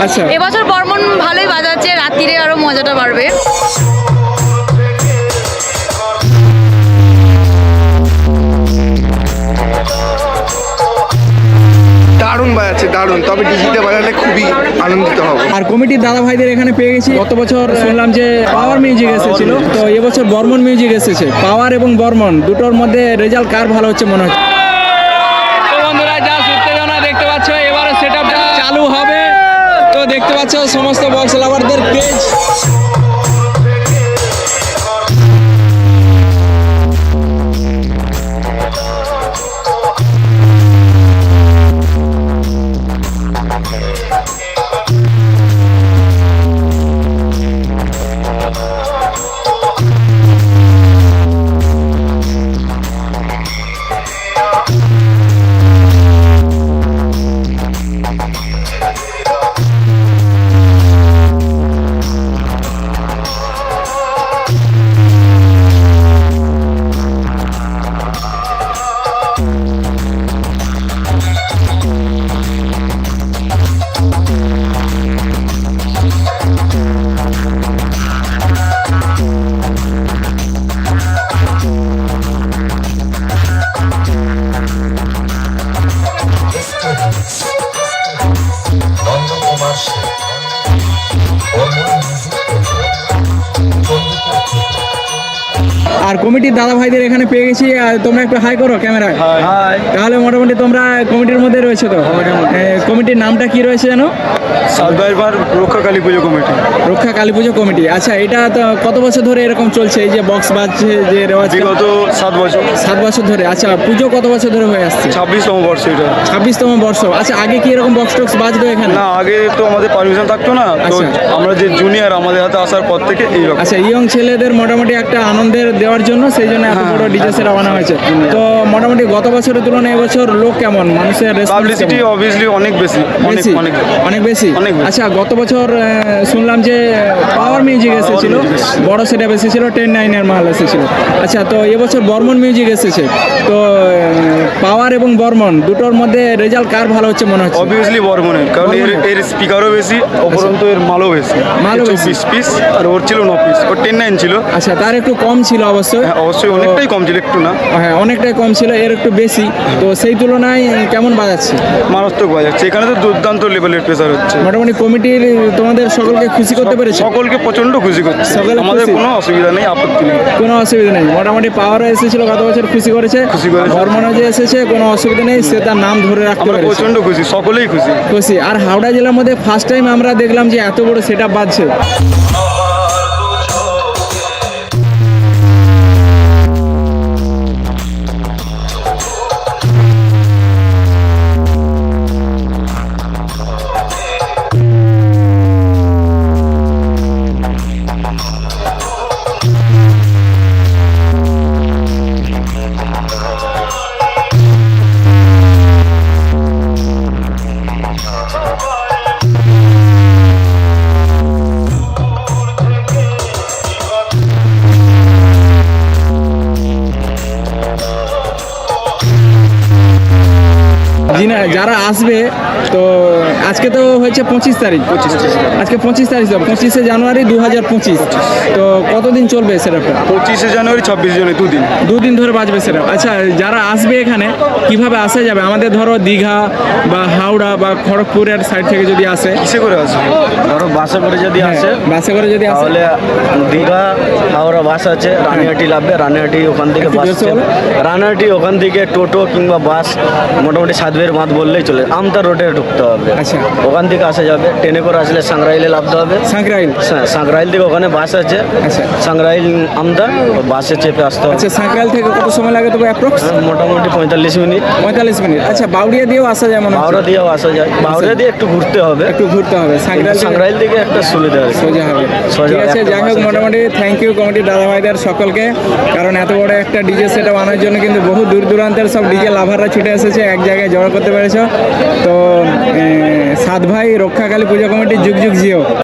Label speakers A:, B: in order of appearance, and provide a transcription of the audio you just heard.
A: আচ্ছা।
B: এবছর বর্মন ভালোই বাজাচ্ছে, রাত্রিরে আরো মজাটা বাড়বে।
C: দারুণ বাজাচ্ছে, দারুণ। তবে ডিজিতে বাজালে খুবই আনন্দিত হব।
A: আর কমিটির দাদা ভাইদের এখানে পেয়ে গেছি। গত বছর শুনলাম যে পাওয়ার মিউজিক এসেছিল, তো এবছর বর্মন মিউজিক এসেছে। পাওয়ার এবং বর্মন দুটোর মধ্যে রেজাল্ট কার ভালো হচ্ছে মনে হচ্ছে? তো বন্ধুরা, যা উত্তেজনা দেখতে পাচ্ছ, এবারে সেটআপটা চালু হবে। তো দেখতে পাচ্ছ সমস্ত বক্স লাভারদের পেজ। আর কমিটির দাদা ভাইদের এখানে পেয়ে গেছি। আর তোমরা একটু হাই করো ক্যামেরায়। তাহলে মোটামুটি তোমরা কমিটির মধ্যে রয়েছে। তো কমিটির নামটা কি রয়েছে জানো?
C: সাতবার রক্ষা কালী পুজো কমিটি।
A: রক্ষা কালী পুজো কমিটি। আচ্ছা, এটা তো কত বছর ধরে এরকম চলছে, এই যে বক্স বাজছে যে রেওয়াজ?
C: বিগত 7 বছর।
A: 7 বছর ধরে। আচ্ছা, পুজো কত বছর ধরে হয়ে আসছে?
C: 26তম বর্ষ এটা।
A: 26তম বর্ষ। আচ্ছা, আগে কি এরকম বক্স টক্স বাজতো এখানে?
C: না, আগে তো আমাদের পারমিশন থাকতো না। তো
A: আচ্ছা।
C: আমরা যে জুনিয়র, আমাদের হাতে আসার পর থেকে এইরকম।
A: আচ্ছা, ইয়ং ছেলেদের মোটামুটি একটা আনন্দের দেওয়ার জন্য সেই জন্য এত বড় ডিজে সেট আনা হয়েছে। তো মোটামুটি গত বছরের তুলনায় এবছর লোক কেমন, মানুষের
C: পাবলিসিটি অবভিয়াসলি অনেক বেশি, অনেক অনেক
A: অনেক বেশি।
C: অনেক বেশি।
A: আচ্ছা, গত বছর শুনলাম যে পাওয়ার মিউজিক এসেছিল, বড় সেটআপ এসেছিল, 10-9 মাল এসেছিল। আচ্ছা, তো এবছর বর্মন মিউজিক এসেছে। তো পাওয়ার এবং বর্মন দুটোর মধ্যে রেজাল্ট কার ভালো হচ্ছে মনে হচ্ছে?
C: অবভিয়াসলি বর্মনের, কারণ এর স্পিকারও বেশি, উপরন্তু এর মালও বেশি।
A: মালও বেশি।
C: 24 পিস আর ওর ছিল 9 পিস, ওর 10-9 ছিল।
A: আচ্ছা, তার একটু কম ছিল অবশ্যই।
C: হ্যাঁ, অবশ্যই অনেকটাই কম ছিল, একটু না।
A: হ্যাঁ, অনেকটাই কম ছিল, এর একটু বেশি। তো সেই তুলনায় কেমন বাজাচ্ছে?
C: মারাত্মক বাজাচ্ছে। এখানে তো দুর্দান্ত লেভেলের প্রেসার হচ্ছে।
A: মোটামুটি কমিটির তোমাদের সকলকে খুশি করতে পেরেছে?
C: সকলকে প্রচন্ড খুশি করছে।
A: সকলে
C: আমাদের
A: খুশি?
C: কোনো অসুবিধা নেই, আপত্তি নেই।
A: কোনো অসুবিধা নেই। মোটামুটি পাওয়ারও এসেছিল গত বছর, খুশি করেছে।
C: খুশি করেছে।
A: বর্মনও যে এসেছে, কোনো অসুবিধা নেই, সে তার নাম ধরে রাখতে
C: আমরা
A: পেরেছে।
C: প্রচন্ড খুশি, সকলেই খুশি।
A: খুশি। আর হাওড়া জেলার মধ্যে ফার্স্ট টাইম আমরা দেখলাম যে এত বড় সেটআপ বাজছে। যারা আসবে, তো আজকে তো হয়েছে 25 তারিখ। আজকে 25 তারিখ, 25শে জানুয়ারি 2025। তো কতদিন চলবে সেটআপটা?
C: 25শে জানুয়ারি 26 জনে,
A: দুদিন ধরে বাজবে সেটআপ। আচ্ছা, যারা আসবে এখানে কিভাবে আসা যাবে? আমাদের ধরো দীঘা বা হাওড়া বা খড়গপুরের সাইড থেকে যদি আসে,
C: কিসে করে আসবে?
D: ধরো বাসে করে যদি আসে,
A: বাসে করে যদি আসে,
D: তাহলে দীঘা হাওড়া বাস আছে, রানিহাটি লাগবে। রানিহাটি ওখান থেকে
A: একটু
D: বাস
A: জোরসে
D: আছে।
A: বলো।
D: রানিহাটি ওখান থেকে টোটো কিংবা বাস মোটামুটি সাতবের বাঁধ বললেই চলে। আমতা রোডে ঢুকতে হবে।
A: আচ্ছা।
D: ওখান থেকে আসা যাবে। ট্রেনে করে আসলে সাংরাইলে নামতে হবে।
A: সাঁকরাইল।
D: সাংরাইল থেকে ওখানে বাস আছে।
A: আচ্ছা।
D: সাংরাইল আমদা, বাসে চেপে আসতে হবে।
A: আচ্ছা, সাঁকরাইল থেকে কত সময় লাগে তবে অ্যাপ্রক্স?
D: মোটামুটি 45 মিনিট।
A: 45 মিনিট। আচ্ছা, বাউরিয়া দিয়েও আসা যায় মনে হচ্ছে?
D: বাউরা দিয়েও আসা যায়। বাউরা দিয়ে একটু ঘুরতে হবে,
A: একটু ঘুরতে হবে।
D: সাংরাইল থেকে একটা সুবিধা আছে,
A: সোজা হবে।
D: সোজা
A: ঠিক আছে,
D: একটা
A: যাই হোক,
D: বাস আছে।
A: মোটামুটি থ্যাংক ইউ কমিটির দাদা ভাইদের সকলকে। কারণ এত বড় একটা ডিজে সেটআপ আনার জন্য কিন্তু বহু দূর দূরান্তের সব ডিজে লাভাররা ছুটে এসেছে, এক জায়গায় জড়ো করতে পেরেছ। তো সাত ভাই রক্ষা কালী পূজা কমিটি যুগ যুগ জিও।